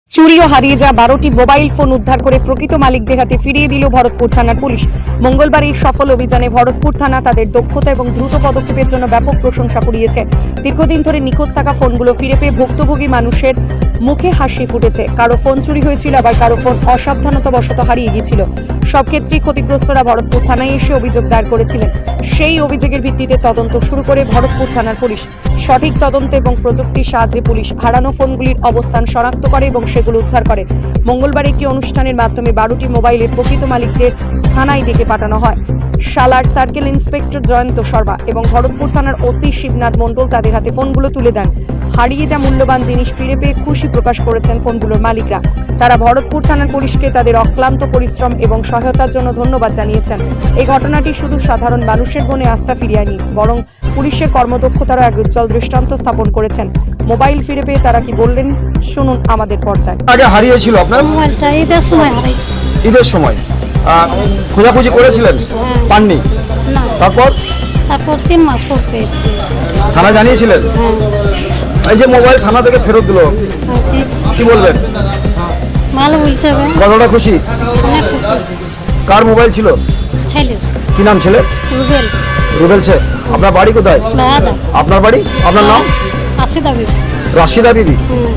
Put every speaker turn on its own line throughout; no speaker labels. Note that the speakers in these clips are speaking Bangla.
চুরি ও হারিয়ে যাওয়া 12টি মোবাইল ফোন উদ্ধার করে প্রকৃত মালিকদের হাতে ফিরিয়ে দিল ভরতপুর থানার পুলিশ। মঙ্গলবার এই সফল অভিযানে ভরতপুর থানা তাদের দক্ষতা এবং দ্রুত পদক্ষেপের জন্য ব্যাপক প্রশংসা কুড়িয়েছে। দীর্ঘদিন ধরে নিখোঁজ থাকা ফোনগুলো ফিরে পেয়ে ভুক্তভোগী মানুষের মুখে হাসি ফুটেছে। কারো ফোন চুরি হয়েছিল, আবার কারো ফোন অসাবধানতাবশত হারিয়ে গিয়েছিল। সব ক্ষেত্রেই ক্ষতিগ্রস্তরা ভরতপুর থানায় এসে অভিযোগ দায়ের করেছিলেন। সেই অভিযোগের ভিত্তিতে তদন্ত শুরু করে ভরতপুর থানার পুলিশ। সঠিক তদন্ত এবং প্রযুক্তির সাহায্যে পুলিশ হারানো ফোনগুলির অবস্থান শনাক্ত করে এবং সেগুলো উদ্ধার করে। মঙ্গলবার একটি অনুষ্ঠানের মাধ্যমে 12টি মোবাইলের প্রকৃত মালিকদের থানায় ডেকে পাঠানো হয়। সালার সার্কেল ইন্সপেক্টর জয়ন্ত শর্মা এবং ভরতপুর থানার ওসি শিবনাথ মণ্ডল তাদের হাতে ফোনগুলো তুলে দেন। হারিয়ে যা মূল্যবান জিনিস ফিরে পেয়ে খুশি প্রকাশ করেছেন ফোনগুলোর মালিকরা। তারা ভরতপুর থানার পুলিশকে তাদের অক্লান্ত পরিশ্রম এবং সহায়তার জন্য ধন্যবাদ জানিয়েছেন। এই ঘটনাটি শুধু সাধারণ মানুষের মনে আস্থা ফিরিয়ে আনেনি, বরং পুলিশের কর্মদক্ষতারও এক উজ্জ্বল দৃষ্টান্ত স্থাপন করেছেন। মোবাইল ফিরে পেয়ে তারা কি বললেন শুনুন আমাদের পর্দায়।
আগে হারিয়েছিল আপনার
মোবাইলটা ঈদের সময় হারাইছে।
ঈদের সময় খোঁজাখুঁজি করেছিলেন, পাননি?
না,
তারপর
তারপর 3 মাস পর পেয়েছি।
থানা জানিয়েছিলেন? এই যে মোবাইল থানা থেকে ফেরত দিল, কি বলবেন?
ভালো বলতে হবে,
কতটা খুশি?
অনেক খুশি।
কার মোবাইল ছিল?
ছেলে
কি নাম ছেলে?
রুবেল
রুবেল সে। আপনার বাড়ি কোথায়?
দাদা
আপনার বাড়ি? আপনার নাম?
আসি দাবি।
রাশিদা বিবি।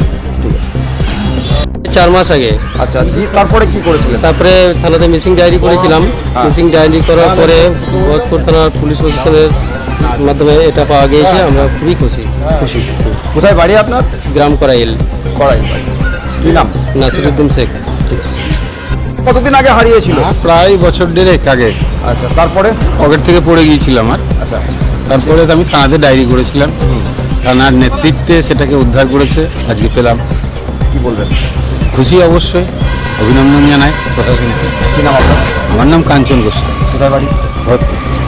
4 মাস আগে।
আচ্ছা, তারপরে কি করেছিলেন?
তারপরে থানাতে মিসিং ডায়েরি করেছিলাম। মিসিং ডায়েরি করার পরে ভরতপুর থানার পুলিশ প্রশাসনের মাধ্যমে এটা পাওয়া গিয়েছে। আমরা খুবই খুশি।
খুশি। কোথায় বাড়ি আপনার?
গ্রাম করাইল।
কড়াই বাড়ি। কি নাম?
নাসিরুদ্দিন শেখ।
কতদিন আগে হারিয়েছিল?
প্রায় বছর দেড়েক আগে।
আচ্ছা, তারপরে?
পকেট থেকে পড়ে গিয়েছিল আমার।
আচ্ছা,
তারপরে আমি থানাতে ডায়েরি করেছিলাম। থানার নেতৃত্বে সেটাকে উদ্ধার করেছে, আজকে পেলাম।
কি বলবেন?
খুশি অবশ্যই, অভিনন্দন জানাই প্রশাসনকে।
কি নাম আপনার?
আমার নাম কাঞ্চন গোস্বামী।
কোথায় বাড়ি? ভরতপুর।